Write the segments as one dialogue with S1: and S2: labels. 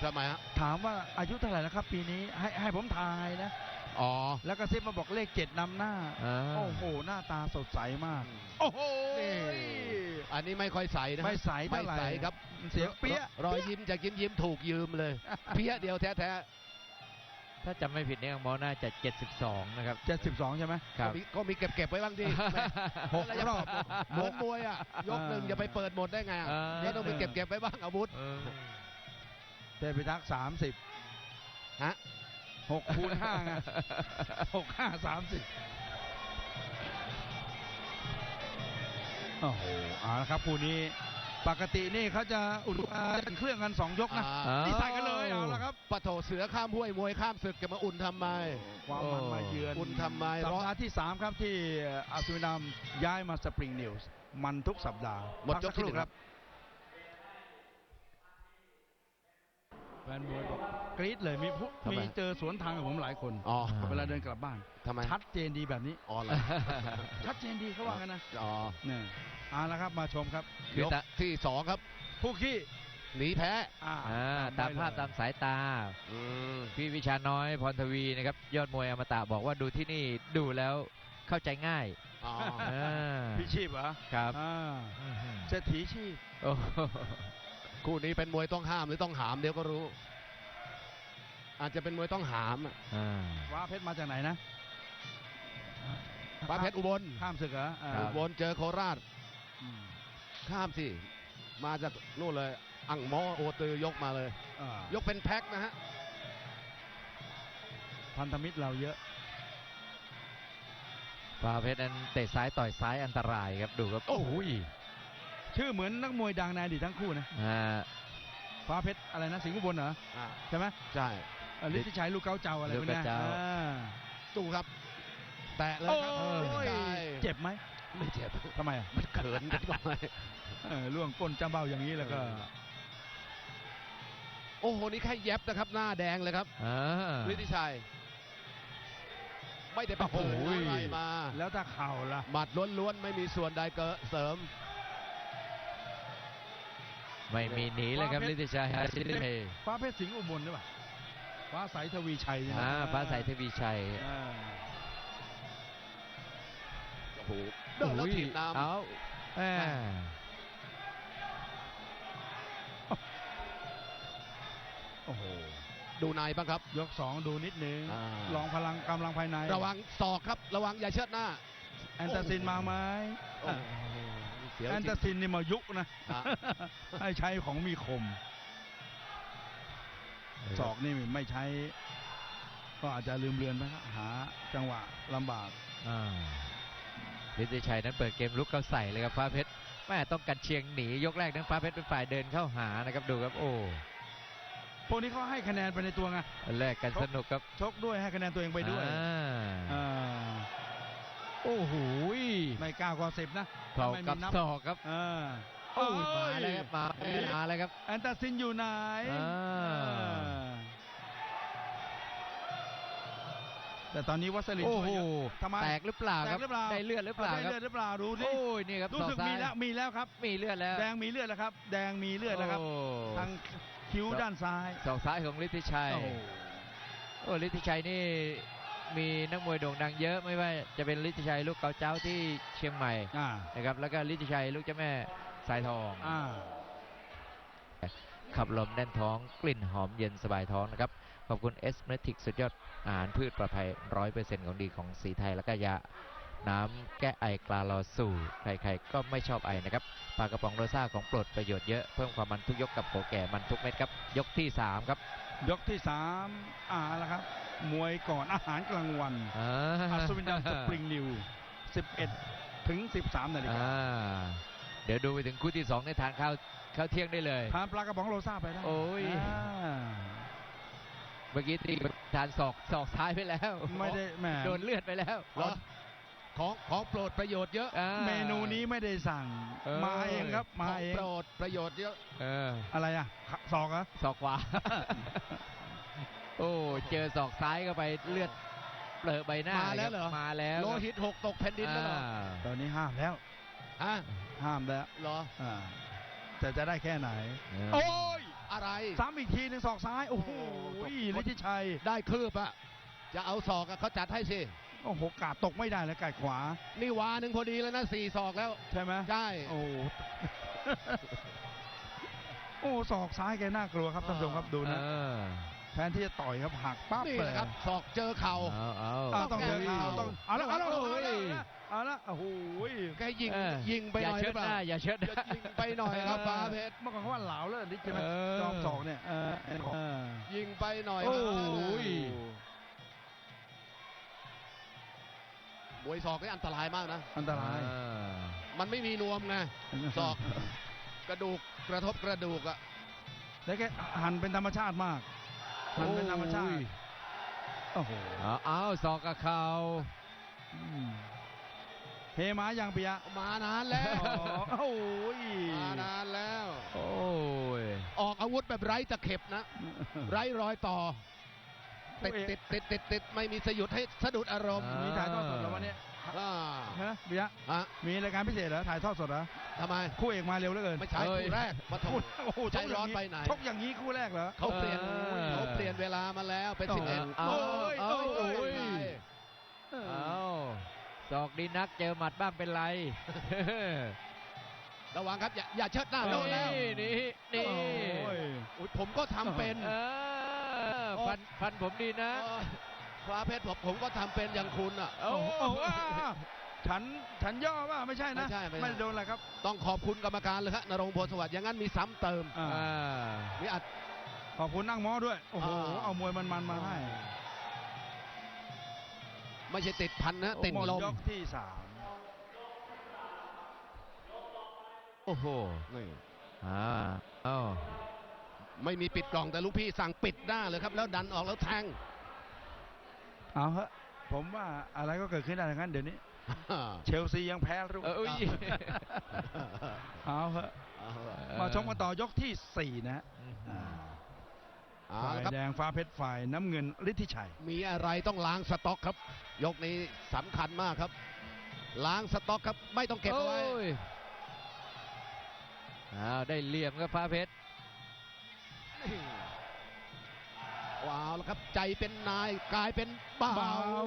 S1: ทำไมฮะ
S2: ถามว่าอายุเท่าไหร่แล้วครับปีนี้ให้ผมทายนะ
S1: อ๋อ
S2: แล้วก็ซิบมาบอกเลข7นำหน้าโอ้โหหน้าตาสดใสมากโอ้โห
S1: อันนี้ไม่ค่อยใสนะ
S2: ไม่ใสเท่าไหร่
S1: ครับ
S2: เสียงเปี้ย
S1: รอยยิ้มจากยิ้มถูกยืมเลยเปี้ยเดียวแท้
S3: ถ้าจำไม่ผิดเนี่ยมอน่าจะ72นะครับ
S2: 72ใช่ไหม
S1: ครับก็มีเก็บไว้บ้างดิ
S2: 6 รอบ
S1: เหมือนมวยอ่ะยกหนึ่งจะไปเปิดหมดได้ไงก็ต้องไปเก็บไว้บ้างอาวุธ
S2: เทพิทักษ์30
S1: ฮะ
S2: 6 คูณ 5ไง6 5 30โอ้โหเอาละครับคู่นี้ปกตินี่เขาจะอุ่นเครื่องกัน2 ยกนะนี่ใส่กันเลยเอาละครับ
S1: ปะโถเสือข้ามห้วยมวยข้ามศึกจะมาอุ่นทำไม
S2: ความมันมาเยือน
S1: อุ่นทำไม
S2: สัปดาห์ที่3ครับที่อัศวินามย้ายมาสปริงนิวส์มันทุกสัปดาห์
S1: หมดยกที่1ครับ
S2: แฟนมวยบอกกรี๊ดเลยมีเจอสวนทางกับผมหลายคนเวลาเดินกลับบ้าน
S1: ทำไม
S2: ชัดเจนดีแบบนี้
S1: อ๋อเหรอ
S2: ชัดเจนดีเขาว่ากันนะ
S1: อ๋อ
S2: เนี่ยเอาละครับมาชมครับ
S1: ยกที่2ครับ
S2: ผู้ขี้
S1: หนีแพ้
S3: ตามภาพตามสายตาพี่วิชาน้อยพรทวีนะครับยอดมวยอมตะบอกว่าดูที่นี่ดูแล้วเข้าใจง่าย
S2: พี่ชีพเหรอ
S3: ครับ
S2: เศรษฐีชีพ
S1: คู่นี้เป็นมวยต้องห้ามหรือต้องหามเดี๋ยวก็รู้อาจจะเป็นมวยต้องหาม
S2: ฟ้าเพชรมาจากไหนนะ
S1: ฟ้าเพชรอุบล
S2: ข้ามศึกเหรอ
S1: อุบลเจอโคราชข้ามสิมาจากนู่นเลยอังมอโอตือยกมาเลยยกเป็นแพ็คนะฮะ
S2: พันธมิตรเราเยอะ
S3: ฟ้าเพชรนั้นเตะซ้ายต่อยซ้ายอันตรายครับดูครับโอ้โห
S2: ชื่อเหมือนนักมวยดังในอดีตทั้งคู่นะฟ้าเพชรอะไรนะสิงห์อุบลเหรอใช่ไหม
S1: ใช่
S2: ฤทธิชัยลูกเก้าเจ้าอะไรพวกนี้
S1: ตู้ครับแตะเลยครับ
S2: เจ็บไหม
S1: ไม่เจ็บ
S2: ทำไม
S1: มันเขินกันทำไม
S2: ล่วงก้นจ้าเบ้าอย่างนี้แล้วก็
S1: โอ้โหนี่แค่เย็บนะครับหน้าแดงเลยครับฤทธิชัยไม่ได้ประโผล่อะไรมา
S2: แล้วถ้าเข่าล่ะ
S1: หมัดล้วนๆไม่มีส่วนใดเสริม
S3: ไม่มีหนีเลยครับฤทธิชัย
S2: ฟ้าเพชรสิงห์อุบลหรือเปล่าฟ้าใสทวีชัย
S3: ฟ้าใสทวีชัย
S1: โอ้โหเดินแล้วถีบน้ำ
S2: โอ้โห
S1: ดูในบ้างครับ
S2: ยก2ดูนิดนึงลองพลังกำลังภายใน
S1: ระวังศอกครับระวังอย่าเชิดหน้า
S2: แอนตาซินมาไหมแอนตาซินนี่มายุกนะให้ใช้ของมีคมศอกนี่ไม่ใช้ก็อาจจะลืมเลือนไปหาจังหวะลำบาก
S3: ฤทธิชัยนั้นเปิดเกมลุกเข้าใส่เลยครับฟ้าเพชรแม่ต้องกันเชียงหนียกแรกนั้นฟ้าเพชรเป็นฝ่ายเดินเข้าหานะครับดูครับโอ้
S2: พวกนี้เขาให้คะแนนไปในตัวไง
S3: แรกกันสนุกครับ
S2: ชกด้วยให้คะแนนตัวเองไปด้วย
S3: โอ้โห
S2: ไม่กล้าก็10นะ
S3: เข่ากับศอกครับโอ้มาแล้วครับมาแล้วครับ
S2: แอนตาซินอยู่ไหนแต่ตอนนี้วัสลินช่วย
S3: ทำไมแตกหรือเปล่าครับได้เลือดหรือเปล่า
S2: ได้เลือดหรือเปล่าดู
S3: นี่โอ้ยนี่ครับ
S2: รู้สึกมีแล้วครับ
S3: มีเลือดแล้ว
S2: แดงมีเลือดแล้วครับแดงมีเลือดแล้วครับทางคิ้วด้านซ้าย
S3: ศอกซ้ายของฤทธิชัยโอ้ฤทธิชัยนี่มีนักมวยโด่งดังเยอะไม่ว่าจะเป็นฤทธิชัยลูกเกาเจ้าที่เชียงใหม่นะครับแล้วก็ฤทธิชัยลูกเจ้าแม่สายทองขับลมแน่นท้องกลิ่นหอมเย็นสบายท้องนะครับขอบคุณเอสเมทิกสุดยอดอาหารพืชปลอดภัย 100% ของดีของสีไทยแล้วก็ยาน้ำแก้ไอกลาลอสู่ใครๆก็ไม่ชอบไอนะครับปลากระป๋องโรซ่าของโปรดประโยชน์เยอะเพิ่มความมันทุกยกกับโขแก่มันทุกเม็ดครับยกที่3ครับ
S2: ยกที่3แล้วครับมวยก่อนอาหารกลางวันอัศวินดำสปริงนิว11 ถึง 13 นาฬิกา
S3: เดี๋ยวดูไปถึงคู่ที่2ในทานข้าวเที่ยงได้เลย
S2: ทานปลากระป๋องโรซ่าไปได้
S3: โอ้ยเมื่อกี้ตีทานศอกซ้ายไปแล้ว
S2: ไม่ได้แหม
S3: โดนเลือดไปแล้ว
S1: ของโปรดประโยชน์เยอะ
S2: เมนูนี้ไม่ได้สั่งมาเองครับมาเอง
S1: โปรดประโยชน์เยอะ
S2: อะไรศอกเหรอ
S3: ศอกขวาโอ้เจอศอกซ้ายเข้าไปเลือดเปลือะใบหน้า
S1: มาแล้วเหรอ
S3: มาแล้ว
S1: โลหิตหกตกแผ่นดินแล้วเหรอ
S2: ตอนนี้ห้ามแล้วห้ามแล้ว
S1: เหรอ
S2: แต่จะได้แค่ไหน
S1: โอ้ยอะไร
S2: ซ้ำอีกทีหนึ่งศอกซ้าย โอ้โหฤทธิชัย
S1: ได้คืบอะจะเอาศอกอะเขาจัดให้สิ
S2: โอ้โหกาดตกไม่ได้แล้วกาดขวา
S1: นี่วาหนึ่งพอดีแล้วนะ4 ศอกแล้ว
S2: ใช่ไหม
S1: ใช่
S2: โอ้โห โอ้ศอกซ้ายแกน่ากลัวครับท่านผู้ชมครับดูนะแทนที่จะต่อยครับหักปั๊บ
S1: นี่
S2: เล
S1: แห
S2: ย
S1: ละครับศอกเจอเข่า
S2: ต้องเจอเข่าต้องเอาละเอาละเอาละโอ้โห
S1: แกยิงไปหน่อยหรือเปล่า
S3: อย่าเชิดหน้า
S1: ยิงไปหน่อยครับฟ้าเพชร
S2: เมื่อก่อนเขาว่าเหลาแล้วนิดใช่ไหมจอมศอกเนี่ย
S1: ยิงไปหน่อย
S2: โอ้ย
S1: มวยศอกนี่อันตรายมากนะ
S2: อันตราย
S1: มันไม่มีนวมไงศอกกระดูกกระทบกระดูกอะ
S2: แล้วแกหันเป็นธรรมชาติมากหันเป็นธรรมชาติโอ้โห
S3: เอาศอกกับเข่า
S2: เฮมาอย่างปิยะ
S1: มานานแล้ว
S2: โอ้ย
S1: มานานแล้ว
S3: โอ้ย
S1: ออกอาวุธแบบไร้ตะเข็บนะ ไร้รอยต่อติดไม่มีสยุดให้สะดุดอารมณ์
S2: มีถ่ายทอดสดแล้ววันนี้
S1: อ่า
S2: ฮะปิยะ
S1: ฮะ
S2: มีรายการพิเศษเหรอถ่ายทอดสดเหรอ
S1: ทำไม
S2: คู่เอกมาเร็วเหลือเกิน
S1: ไม่ใช่คู่แรกมาถ
S2: โอ้โห
S1: ใจร้อนไปไหน
S2: ชกอย่างนี้คู่แรกเหรอ
S1: เขาเปลี่ยนเวลามาแล้วเป็น11
S3: เอา
S1: ย
S3: เอาศอกดีนักเจอหมัดบ้างเป็นไร
S1: ระวังครับอย่าเชิดหน้าโดนแล้ว
S3: นี่
S1: โอ้ยผมก็ทำเป็น
S3: ฟันผมดีนะ
S1: ฟ้าเพชรผมก็ทำเป็นอย่างคุณอ่ะ
S2: โอ้โหฉันย่อว่าไม่ใช่นะ ไม่โดนอะไรครับ
S1: ต้องขอบคุณกรรมการเลยครับนรงค์ โพธิ์สวัสดิ์อย่างนั้นมีซ้ำเติมมีอัด
S2: ขอบคุณนั่งหม้อด้วยโอ้โหเอามวยมันมาให้
S1: ไม่ใช่ติดพันนะติดลม
S2: ยกที่
S3: โอ้โห
S1: นี่ ไม่มีปิดกล่องแต่ลูกพี่สั่งปิดหน้าเลยครับแล้วดันออกแล้วแทง
S2: เอาฮะผมว่าอะไรก็เกิดขึ้นได้ทั้งนั้นเดี๋ยวนี้ เชลซียังแพ้รู้เอาฮะมาชมกันต่อยกที่ 4 นะฮะฝ่ายแดงฟ้าเพชรฝ่ายน้ำเงินฤทธิชัย
S1: มีอะไรต้องล้างสต็อกครับ ยกนี้สำคัญมากครับ ล้างสต็อกครับไม่ต้องเก็บเอาไว้
S3: ได้เหลี่ยมครับฟ้าเพชร
S1: ว้าวแล้วครับใจเป็นนายกลายเป็นบ่าว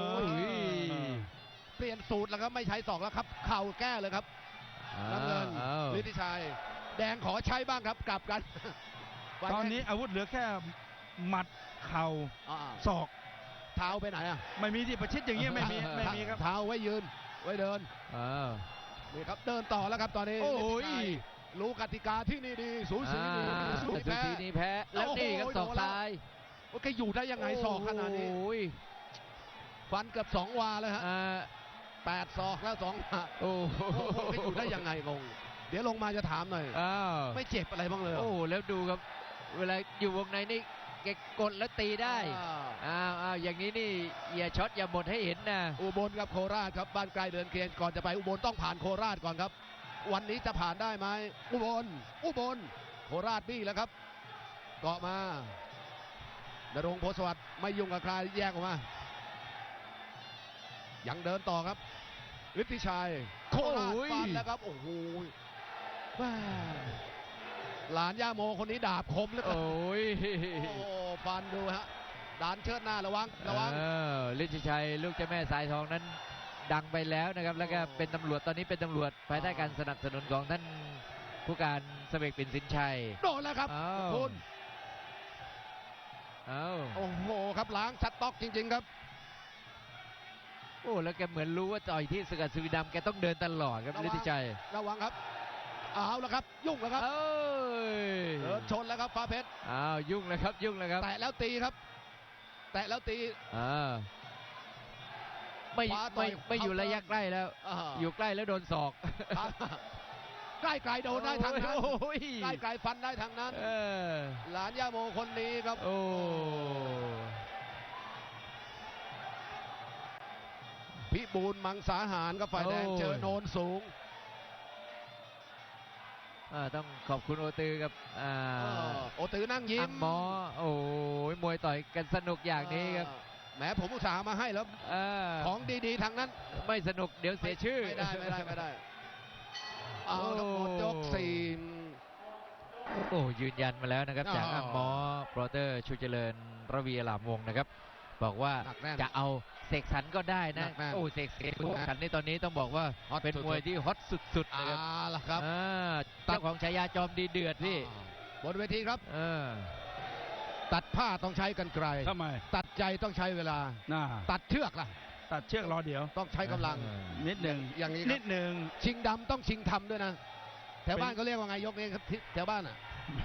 S1: เปลี่ยนสูตรแล้วครับไม่ใช้ศอกแล้วครับเข่าแก้เลยครับน้ำเงินฤทธิชัยแดงขอใช้บ้างครับกลับกัน
S2: ตอนนี้อาวุธเหลือแค่หมัดเข่าศอก
S1: เท้าไปไหนอ่ะ
S2: ไม่มีที่ประชิดอย่างเงี้ยไม่มีครับ
S1: เท้าไว้ยืนไว้เดินนี่ครับเดินต่อแล้วครับตอนนี้รู้กติกาที่นี่ดีสูสี
S3: นี่แพ้แล้วนี่ครับศอกซ้าย
S1: ว่าแกอยู่ได้ยังไงศอกขนาดนี้ฟันเกือบ2 วาเลยฮะ8 ศอกแล้ว2 วาโอ้โหแกอยู่ได้ยังไงงงเดี๋ยวลงมาจะถามหน่อยไม่เจ็บอะไรบ้างเลย
S3: โอ้แล้วดูครับเวลาอยู่วงในนี่แกกดแล้วตีได้อย่างนี้นี่อย่าช็อตอย่าหมดให้เห็นนะ
S1: อุบลกับโคราชครับบ้านไกลเดินเคียงก่อนจะไปอุบลต้องผ่านโคราชก่อนครับวันนี้จะผ่านได้ไหมอุบลโคราชบี้แล้วครับเกาะมานรงค์ โพธิ์สวัสดิ์ไม่ยุ่งกับใครแยกออกมายังเดินต่อครับฤทธิชัยโคราชฟันแล้วครับโอ้โหหลานย่าโมคนนี้ดาบคมแล้วฟันดูฮะดานเชิดหน้าระวัง
S3: ฤทธิชัยลูกเจ้าแม่สายทองนั้นดังไปแล้วนะครับแล้วก็เป็นตำรวจตอนนี้เป็นตำรวจภายใต้การสนับสนุนของท่านผู้การเสวกปิ่นสินชัย
S1: โดนแล้วครับคุณโอ้โหครับล้างชัดต็อกจริงๆครับ
S3: โอ้แล้วแกเหมือนรู้ว่าต่อยที่สกัดสุวิดำแกต้องเดินตลอดครับฤทธิชัย
S1: ระวังครับเอาแล้วครับยุ่งแล้วครับเดินชนแล้วครับฟ้าเพชร
S3: ยุ่งแล้วครับ
S1: แตะแล้วตีครับแตะแล้วตี
S3: ไม่อยู่ระยะใกล้แล้วอยู่ใกล้แล้วโดนศอก
S1: ใกล้ไกลโดนได้ทางนั้นใกล้ไกลฟันได้ทางนั้นหลานย่าโมคนนี้ครับพิบูลมังสาหารกับฝ่ายแดงเจอโนนสูง
S3: ต้องขอบคุณโอตือกับ
S1: โอตือนั่งยิ้ม
S3: หมอโอ้ยมวยต่อยกันสนุกอย่างนี้ครับ
S1: แหมผมอุตส่าห์มาให้แล้วของดีๆทางนั้น
S3: ไม่สนุกเดี๋ยวเสียชื่อ
S1: ไม่ได้เอาหมดยก 4
S3: โอ้ยืนยันมาแล้วนะครับ
S1: อ๋อ
S3: จากอ่างหมอโปรเตอร์ชูเจริญระวีอลามวงศ์นะครับ บอกว่า
S1: หนักแน่น
S3: จะเอาเสกสรรก็ได้นะ
S1: หนักแน่น
S3: โอ้เสกสรรในตอนนี้ต้องบอกว่า
S1: ฮอต
S3: เป็น
S1: สุดๆ
S3: มวยที่ฮอตสุดๆ
S1: อ่า
S3: นะครับ
S1: ล่ะครับ
S3: อ่าเจ้าของฉายาจอมดีเดือดพี่
S1: บนเวทีครับ
S3: เออ
S1: ตัดผ้าต้องใช้กันไกล
S2: ทำไม
S1: ตัดใจต้องใช้เวลา
S2: น่า
S1: ตัดเชือกล่ะ
S2: ตัดเชือกรอเดี๋ยว
S1: ต้องใช้กำลัง
S2: นิดหนึ่ง
S1: อย่างนี้ครับ
S2: นิดหนึ่ง
S1: ชิงดำต้องชิงทำด้วยนะ แถวบ้าน
S2: เป็น
S1: เขาเรียกว่าไงยกนี้ครับที่แถวบ้านอ่ะ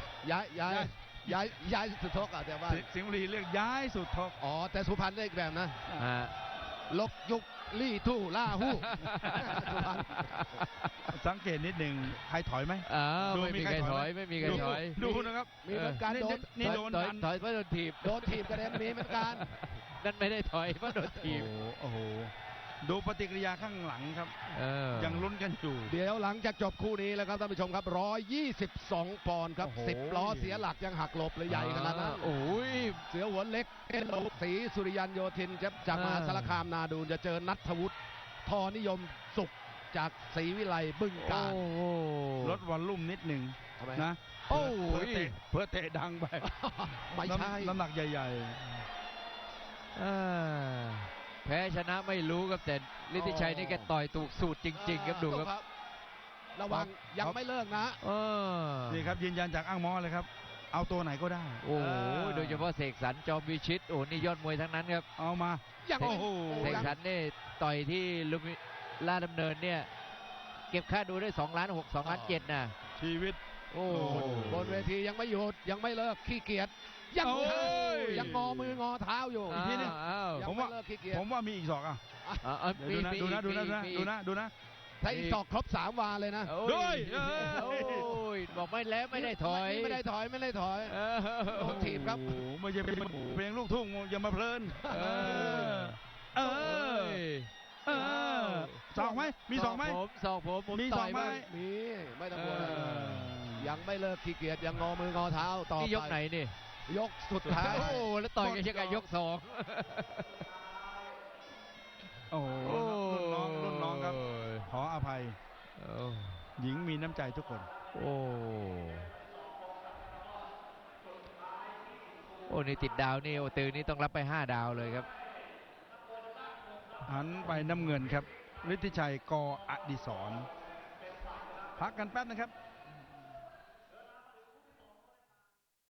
S1: ย้ายสุดทกอ่ะแถวบ้าน
S2: สิงห์บุรีเรียกย้ายสุดทก
S1: อ๋อ แต่สุพรรณได้อีกแบบนะ
S3: อ่า
S1: ลกยุกลี่ทู่ล่าหู้ สุพรรณ
S2: สังเกตนิดหนึ่งใครถอยไหม
S3: อ้าว
S2: ดู
S3: ไม่มีใครถอยไม่มีใครถอย
S2: ดูนะครับ
S1: มีเหมือนกันโดน
S2: นี่โดน
S3: ถอย
S2: ดัน
S3: ถอยเพราะโดนถีบ
S1: โดนถีบกระเด็นมีเหมือนกัน
S3: นั่นไม่ได้ถอยเพราะโดนถีบ
S2: โอ้โห ดูปฏิกิริยาข้างหลังครับ
S3: เออ
S2: ยังลุ้นกันอยู่
S1: เดี๋ยวหลังจากจบคู่นี้แล้วครับท่านผู้ชมครับ 122 ปอนด์ครับ
S2: โอ้โห
S1: 10 ล้อเสียหลักยังหักหลบเลยใหญ่ขนาดนั้น
S3: โอ้ย
S1: เสือหัวเล็กเอโลศรีสุริยันโยธินจากมหาสารคามนาดูนจะเจอนัทวุฒิทอนิยมสุขจากศรีวิไลบึงกาฬ
S3: โอ้โห
S2: ลดวอลลุ่มนิดหนึ่ง
S1: ทำไม
S2: นะ
S3: โอ้
S2: เพื่อย เพื่อเตะดังไป
S1: ไม่ใช่
S2: น้ำหนักใหญ่
S3: อ่าแพ้ชนะไม่รู้ครับแต่ฤทธิชัยนี่แกต่อยถูกสูตรจริง ๆ ครับดูครับ
S1: ระวังยังไม่เลิกนะ
S3: เออ
S2: ๆ นี่ครับยืนยันจากอ้างหมอเลยครับ เอาตัวไหนก็ได้
S3: โอ้โหโดยเฉพาะเสกสรรจอมวิชิตโอ้นี่ยอดมวยทั้งนั้นครับ
S2: เอามา
S1: ยัง
S2: โอ้โห
S3: เสกสรรนี่ต่อยที่ลุมพิลาดดำเนินเนี่ยเก็บค่าดูได้2 ล้าน 6 2 ล้าน 7นะ
S2: ชีวิต
S3: โอ้
S2: โอ้โห
S1: บนเวทียังไม่หยุดยังไม่เลิกขี้เกียจยัง
S2: โอ้ย
S1: ยังงอมืองอเท้าอยู่
S2: อีกทีหนึ่ง
S3: อ้าว
S1: ยัง
S2: ผม
S1: ไม่
S2: ว่า
S1: เลิกขี้เกียจ
S2: ผมว่ามีอีกศอกอ่ะ
S3: อ้าว
S2: เดี๋ยวดูนะ
S3: มี
S2: ดูนะ
S3: มี
S2: ดูนะ
S3: มี
S2: ดูนะ
S1: ถ้าอีกศอกครบ3 วาเลยนะ
S3: โอ้
S2: ด้วย
S3: โอ้ยบอกไม่แล้วไม่ได้ถอย
S1: ไม่ได้ถอยไม่ได้ถอย
S3: เออ
S1: โดนถีบครับ
S2: โอ้โหไม่ใช่เป็นเพลงลูกทุ่งอย่ามาเพลิน
S3: เออ
S2: เออ เออศอกไหมมีศอกไหม
S3: ศอกผม
S2: มี
S3: ต่
S2: ศ
S3: อ
S2: อย กไหม
S3: บ้าง
S1: มีไม่ต้อง
S3: เอ
S1: ห่วง
S3: อ
S1: ยังไม่เลิกขี้เกียจยังงอมืองอเท้าต่อ
S3: นี่
S1: ไป
S3: ยกไหนนี่
S1: ยกสุดท้าย
S3: โอ้แล้วต่อยกันยังไงยก2
S2: โอ้โหรุ่นน้องครับ ขออภัย
S3: โอ้
S2: หญิงมีน้ำใจทุกคน
S3: โอ้โอ้นี่ติดดาวนี่โอตือนี่ต้องรับไป5 ดาวเลยครับ
S2: หันไปน้ำเงินครับฤทธิชัยกอดิศรพักกันแป๊บนะครับ